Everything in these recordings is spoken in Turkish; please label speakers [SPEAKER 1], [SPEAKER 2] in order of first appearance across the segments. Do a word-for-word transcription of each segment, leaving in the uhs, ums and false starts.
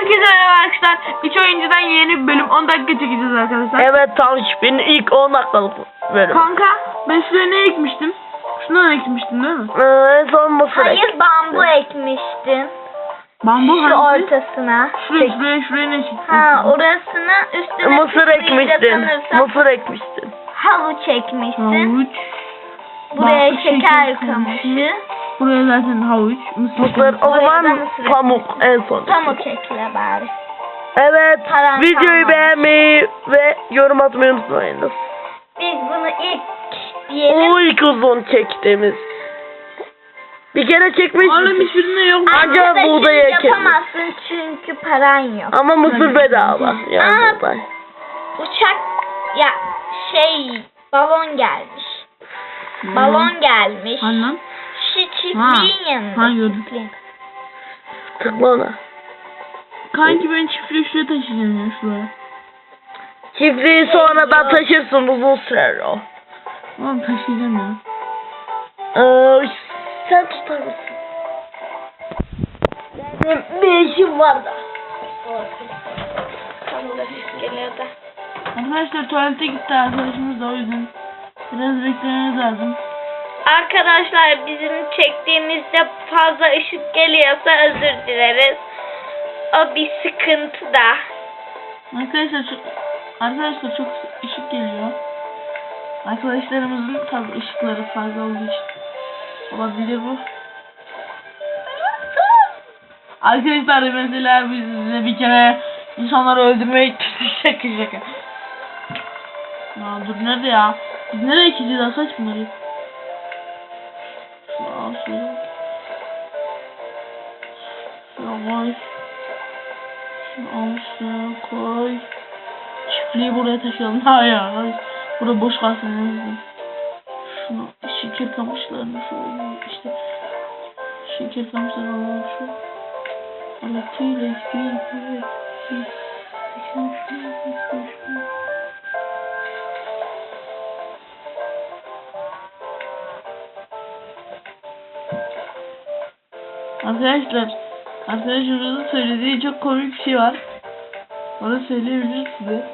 [SPEAKER 1] Herkese merhaba arkadaşlar. üç oyuncudan yeni bir bölüm on dakika çekeceğiz arkadaşlar.
[SPEAKER 2] Evet tamam, benim ilk on dakikalık bölüm.
[SPEAKER 1] Kanka ben şuraya ne ekmiştim? Şundan ekmiştim değil mi?
[SPEAKER 2] Ee, son mısır
[SPEAKER 3] Hayır,
[SPEAKER 2] ektim.
[SPEAKER 3] bambu ekmiştin.
[SPEAKER 1] Bambu
[SPEAKER 3] Şu
[SPEAKER 1] hangisi?
[SPEAKER 3] ortasına.
[SPEAKER 1] Şuraya şuraya şuraya ne ekmiştim?
[SPEAKER 3] Ha, orasına üstüne
[SPEAKER 2] Mısır ekmiştin.
[SPEAKER 3] sanırsam
[SPEAKER 2] Mısır ekmiştin.
[SPEAKER 3] havuç ekmiştin.
[SPEAKER 1] Havuç.
[SPEAKER 3] Buraya
[SPEAKER 1] Bak,
[SPEAKER 3] şeker
[SPEAKER 1] şeker
[SPEAKER 3] kamışı.
[SPEAKER 1] Buraya zaten havuç. Mısır.
[SPEAKER 2] Mısır, o
[SPEAKER 3] Oraya da
[SPEAKER 2] zaman
[SPEAKER 3] mısır
[SPEAKER 2] pamuk en son.
[SPEAKER 3] Pamuk ekle bari.
[SPEAKER 2] Evet,
[SPEAKER 3] Paran
[SPEAKER 2] videoyu
[SPEAKER 3] kalmadı.
[SPEAKER 2] beğenmeyi ve yorum atmayı unutmayınız.
[SPEAKER 3] Biz bunu ilk diyelim.
[SPEAKER 2] O ilk uzun çektiğimiz. Bir kere çekmiştik.
[SPEAKER 1] Oğlum hiçbirinde yok.
[SPEAKER 2] Acaba
[SPEAKER 3] Arkadaşım,
[SPEAKER 2] buğday ekelim.
[SPEAKER 3] yapamazsın çünkü paran yok.
[SPEAKER 2] Ama mısır bedava. Yani
[SPEAKER 3] Aa.
[SPEAKER 2] buğday.
[SPEAKER 3] Uçak ya şey balon gelmiş.
[SPEAKER 1] Hmm.
[SPEAKER 3] Balon gelmiş.
[SPEAKER 1] Hani lan?
[SPEAKER 3] Şu çiftliğin
[SPEAKER 1] Ha.
[SPEAKER 3] yanında.
[SPEAKER 1] Ha, gördüm.
[SPEAKER 3] çiftliğin.
[SPEAKER 2] Tıkla ona.
[SPEAKER 1] Kanki ben çiftliği şuraya taşıyacağım ya şuraya.
[SPEAKER 2] Çiftliği sonradan taşırsın, uzun sürer o.
[SPEAKER 1] Oğlum taşıyacağım ya.
[SPEAKER 2] Ee, sen tutar mısın? Benim bir işim var da.
[SPEAKER 3] Geliyor da.
[SPEAKER 1] Arkadaşlar tuvalete gitti arkadaşımız da, o yüzden biraz beklememiz lazım.
[SPEAKER 3] Arkadaşlar, bizim çektiğimizde fazla ışık geliyorsa özür dileriz. O bir sıkıntı da.
[SPEAKER 1] Arkadaşlar çok arkadaşlar çok ışık geliyor. Arkadaşlarımızın tabi ışıkları fazla olduğu için olabilir bu. Arkadaşlar mesela biz size bir kere insanları öldürmeye gittik, şaka şaka. Ya dur, nerede ya? Biz nereye gideceğiz? Asaç bunları. Şunu al şöyle. Şunu koy. Şunu al şunu koy. Çiftliği buraya taşıyalım. Hayır hayır. Burada boş kalsın en azından. Şunu şeker kamışlarını şöyle işte. Şeker kamışlarını alalım şu. Alatıyla ekmeği böyle. Seksen şunu, seksen şunu. Arkadaşlar, arkadaşlarımızın söylediği çok komik bir şey var. Onu söyleyebilir size.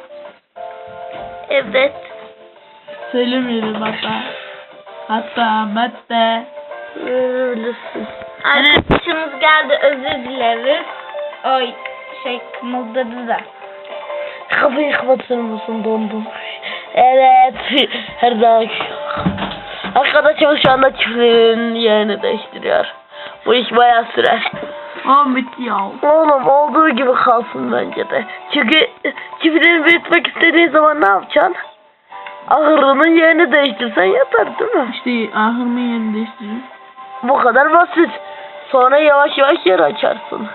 [SPEAKER 3] Evet.
[SPEAKER 1] Söylemeyelim hatta. Hatta hatta.
[SPEAKER 2] Verebilirsin.
[SPEAKER 3] Arkadaşımız geldi, özür dileriz. Oy şey kımıldadı da.
[SPEAKER 2] Kapıyı kapatır mısın, dondum. Evet, her zaman. Arkadaşımız şu anda çiftliğin yerini değiştiriyor. Bu iş bayağı sürer.
[SPEAKER 1] Aa bitti ya.
[SPEAKER 2] Oğlum olduğu gibi kalsın bence de. Çünkü çiftliğini büyütmek istediğin zaman ne yapacaksın? Ahırının yerini değiştirsen yeter değil mi?
[SPEAKER 1] İşte ahırımın yerini değiştireyim.
[SPEAKER 2] Bu kadar basit. Sonra yavaş yavaş yer açarsın.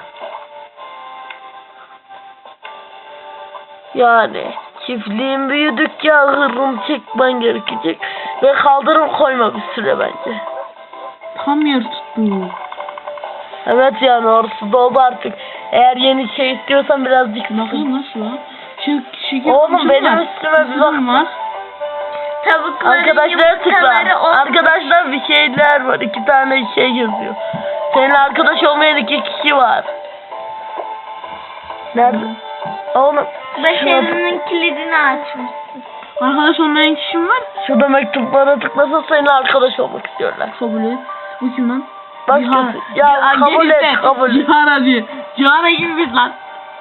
[SPEAKER 2] Yani çiftliğin büyüdükçe ahırını çekmen gerekecek. Ve kaldırım koyma bir süre bence.
[SPEAKER 1] Tam yer tuttu.
[SPEAKER 2] Evet, yani orası doldu artık. Eğer yeni şey istiyorsan birazcık
[SPEAKER 1] Bakayım nasıl lan? Şu şeker
[SPEAKER 2] Oğlum,
[SPEAKER 1] kamışı
[SPEAKER 2] benim
[SPEAKER 1] var.
[SPEAKER 2] üstüme bir
[SPEAKER 1] Mısırım
[SPEAKER 2] bak.
[SPEAKER 1] var.
[SPEAKER 3] Tavukların
[SPEAKER 2] Arkadaşlara tıkla.
[SPEAKER 3] yumurtaları olmuş.
[SPEAKER 2] Arkadaşlar bir şeyler var. İki tane şey yazıyor. Seninle arkadaş olmayan iki kişi var. Nerede? Oğlum.
[SPEAKER 3] Başarının kilidini açmışsın.
[SPEAKER 1] Arkadaş olmayan kişim var.
[SPEAKER 2] Şurada mektuplara tıklasa seninle arkadaş olmak istiyorlar.
[SPEAKER 1] Kabul et. Bu kim lan?
[SPEAKER 2] Başkası. Ya
[SPEAKER 1] Aa,
[SPEAKER 2] kabul
[SPEAKER 1] gel
[SPEAKER 2] et,
[SPEAKER 1] işte.
[SPEAKER 2] kabul et.
[SPEAKER 1] Cihara diyor. Cihara gibi biz lan.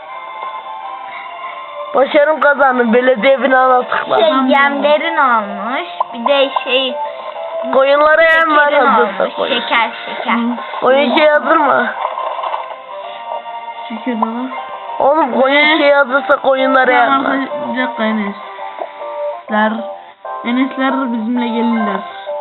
[SPEAKER 2] Başarım kazandım. Belediye binana tıkla.
[SPEAKER 3] Şey yemlerin olmuş. Bir de şey
[SPEAKER 2] Koyunlara yem ver,
[SPEAKER 3] şekerin
[SPEAKER 2] hazırsa
[SPEAKER 3] olmuş.
[SPEAKER 2] koyun.
[SPEAKER 3] Şeker şeker.
[SPEAKER 2] Koyun şey hazır mı?
[SPEAKER 1] Şeker bana.
[SPEAKER 2] Oğlum koyun şey hazırsa koyunlara yem
[SPEAKER 1] Tamam
[SPEAKER 2] ver.
[SPEAKER 1] arkadaşlar, bir dakika Enesler. Enesler bizimle gelirler.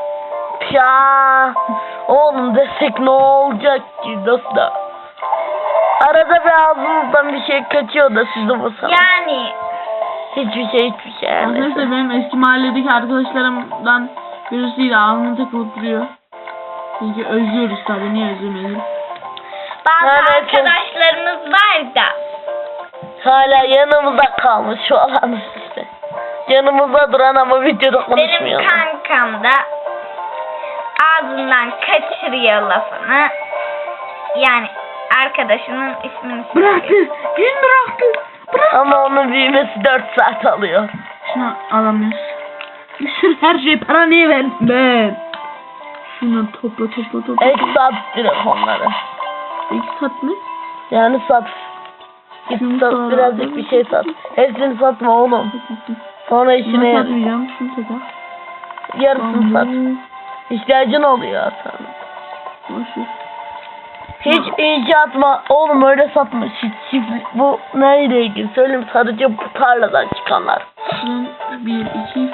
[SPEAKER 2] Ya oğlum desek ne olacak ki dostum? Arada bir ağzınızdan bir şey kaçıyor da sizi bu sana.
[SPEAKER 3] Yani
[SPEAKER 2] Hiçbir şey hiçbir şey yani.
[SPEAKER 1] Arkadaşlar benim eski mahalledeki arkadaşlarımdan birisiyle ağzına takılıp duruyor. Çünkü özlüyoruz tabii, niye özlemeyelim.
[SPEAKER 3] bazı
[SPEAKER 2] Evet.
[SPEAKER 3] arkadaşlarımız var da.
[SPEAKER 2] Hala yanımızda kalmış şu alan işte. Yanımızda duran ama videoda konuşmuyor.
[SPEAKER 3] Benim kankam da ağzından kaçırıyor lafını. Yani arkadaşının ismini
[SPEAKER 1] Bıraktı.
[SPEAKER 3] söylüyor.
[SPEAKER 1] Gün bıraktı. Bırak.
[SPEAKER 2] Ama onun büyümesi dört saat alıyor.
[SPEAKER 1] Şunu alamıyoruz. Sırf her şey para niye verdim ben? Şunu topla topla topla.
[SPEAKER 2] Ek sat direkt onları.
[SPEAKER 1] İki sat mı?
[SPEAKER 2] Yani sat. Git
[SPEAKER 1] Şunu
[SPEAKER 2] sat
[SPEAKER 1] sonra-
[SPEAKER 2] birazcık bir şey sat. Hepsini satma oğlum. Sonra işine
[SPEAKER 1] Şunu
[SPEAKER 2] yar-
[SPEAKER 1] satmayacağım. Şunu satar.
[SPEAKER 2] yarısını sat. İhtiyacın oluyor sana.
[SPEAKER 1] Boşver.
[SPEAKER 2] Hiç inşaat ma oğlum öyle satma. Hiç çiftlik bu neyle ilgili söyleyeyim, sadece bu tarladan çıkanlar.
[SPEAKER 1] Şunun bir, iki.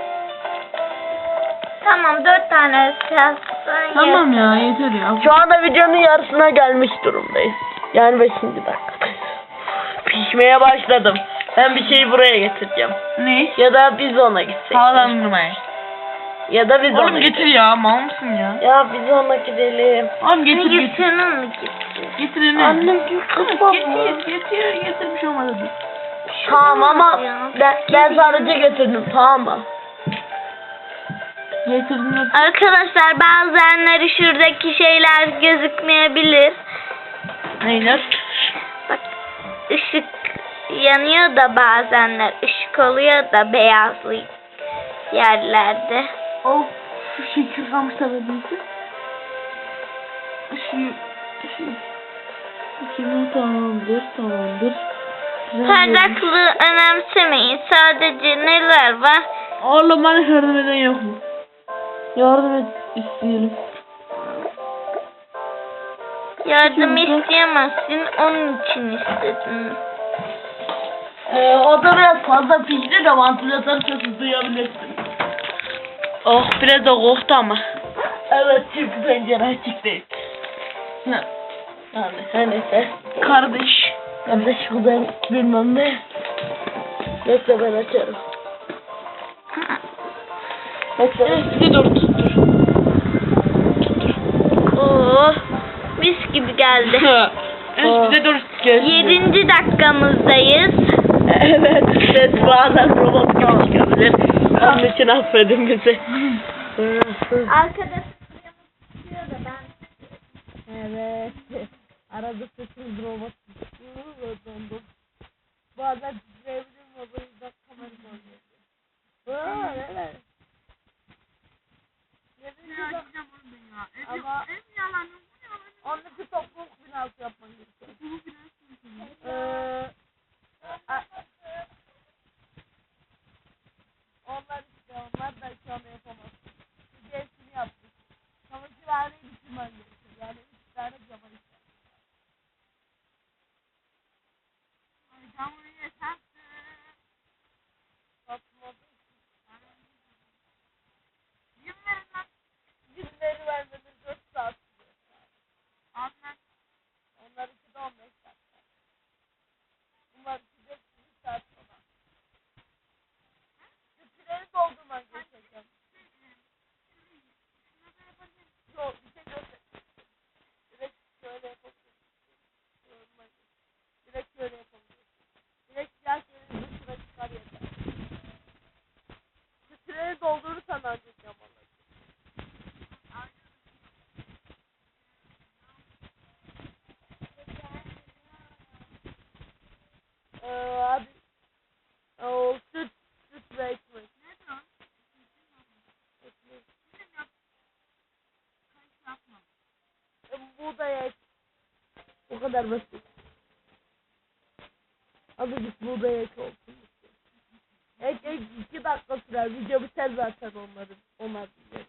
[SPEAKER 3] Tamam dört tane şahsın
[SPEAKER 1] Tamam ya yeter ya.
[SPEAKER 2] Şu anda videonun yarısına gelmiş durumdayız. Yani beşinci dakikadayız. Pişmeye başladım. Ben bir şeyi buraya getireceğim.
[SPEAKER 1] Ne?
[SPEAKER 2] Ya da biz ona gitsek.
[SPEAKER 1] Havalandırmaya.
[SPEAKER 2] Ya da biz ona
[SPEAKER 1] Oğlum getir ya. Mal mısın ya?
[SPEAKER 2] Ya biz ona gidelim.
[SPEAKER 1] Oğlum getir
[SPEAKER 3] Getir
[SPEAKER 1] getir.
[SPEAKER 3] senin mi gitti?
[SPEAKER 1] Getir Emre.
[SPEAKER 2] Annem bir kızma.
[SPEAKER 1] Getir getir. Getirmiş olmadı.
[SPEAKER 2] Tamam ama ben, ben sadece getirdim, tamam mı?
[SPEAKER 1] Getirdin de.
[SPEAKER 3] Arkadaşlar bazenleri şuradaki şeyler gözükmeyebilir.
[SPEAKER 1] Neyler?
[SPEAKER 3] Bak ışık yanıyor da bazenler ışık oluyor da beyazlı yerlerde.
[SPEAKER 1] Of şu şekil kamışlar ödeydi. Şu şu Şimdi tamamdır tamamdır. Güzel olmuş.
[SPEAKER 3] Parlaklığı önemsemeyin. Sadece neler var?
[SPEAKER 1] Oğlum bana yardım eden yok mu? Yardım et isteyelim.
[SPEAKER 3] Yardım
[SPEAKER 1] Çünkü-
[SPEAKER 3] isteyemezsin. Onun için istedim.
[SPEAKER 2] Ee, o da biraz fazla pişti de vantilatör sesi duyabilirsin.
[SPEAKER 1] Oh biraz da koktu ama.
[SPEAKER 2] Evet çünkü pencere açık değil.
[SPEAKER 1] Ne?
[SPEAKER 2] Yani her neyse.
[SPEAKER 1] Kardeş.
[SPEAKER 2] Kardeş bu ben bilmem ne. Bekle ben açarım. Bekle.
[SPEAKER 1] Evet bir de dur tuttur.
[SPEAKER 3] Oo, mis gibi geldi.
[SPEAKER 1] Evet bir de dur. Gel.
[SPEAKER 3] Yedinci dakikamızdayız.
[SPEAKER 2] Evet, ses bazen robot gibi çıkabilir. Onun için affedin bizi.
[SPEAKER 3] Arkada tutuyor da ben.
[SPEAKER 2] Evet. Arada sesimiz robot çıkıyor. Dondum. Bazen titreyebilirim ama bu yüzden kamera dönüyor. Aa, evet. Ama onun için topluluk binası yapman gerekiyor. Ee, a- onlar işte onlar da şu anda yapamaz. Bir hepsini yaptık. Çamaşırhaneyi bitirmen gerekiyor. Yani üç tane cama ister. Satmadı. Günleri vermemiz dört saat sürüyor. Onlar ikide on beş dakika. Bunlar ikide bir saat sonra. Sütüleri doldurman gerekiyor. Yok bir şey göster. Direkt şöyle yapabilirsin. Direkt şöyle yapabilirsin. Direkt siyah yerin dışına çıkar yeter. Sütüleri doldurursan ancak yapalım. Ee, hadi. O süt, süt ve ekmek. Ne o? Ekmek. E, buğday ek. O kadar basit. Azıcık buğday ek olsun. Ek ek iki dakika sürer. Video biter zaten onların. Onlar bilir.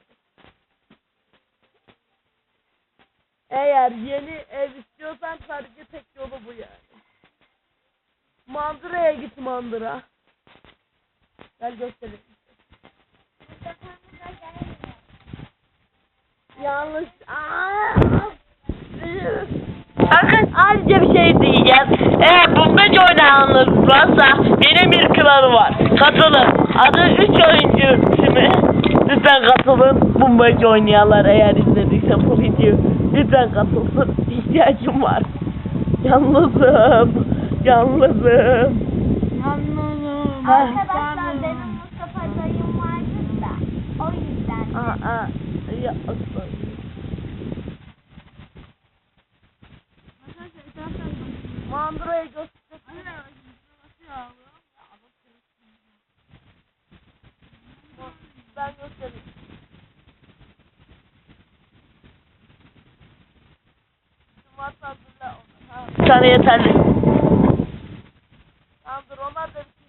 [SPEAKER 2] Eğer yeni ev istiyorsan sadece tek yolu bu yani. Mandıra'ya git Mandıra. Gel göstereyim. Yanlış. Aa! Bakın ayrıca bir şey diyeceğim. Eğer Bumbeci oynayanlar varsa benim bir kanalı var. Katılın. Adı üç oyuncu ismi. Lütfen katılın. Bumbeci oynayanlar eğer izlediyse bu videoyu. Lütfen katılsın. İhtiyacım var. Yalnızım. Yalnızım.
[SPEAKER 1] Anladım.
[SPEAKER 3] Arkadaşlar benim Mustafa dayım vardı da o yüzden.
[SPEAKER 2] Aa, ya aslan. Sandro'ya göstereyim. Ben göstereyim. Bir tane yeterli. Tamamdır, onlar da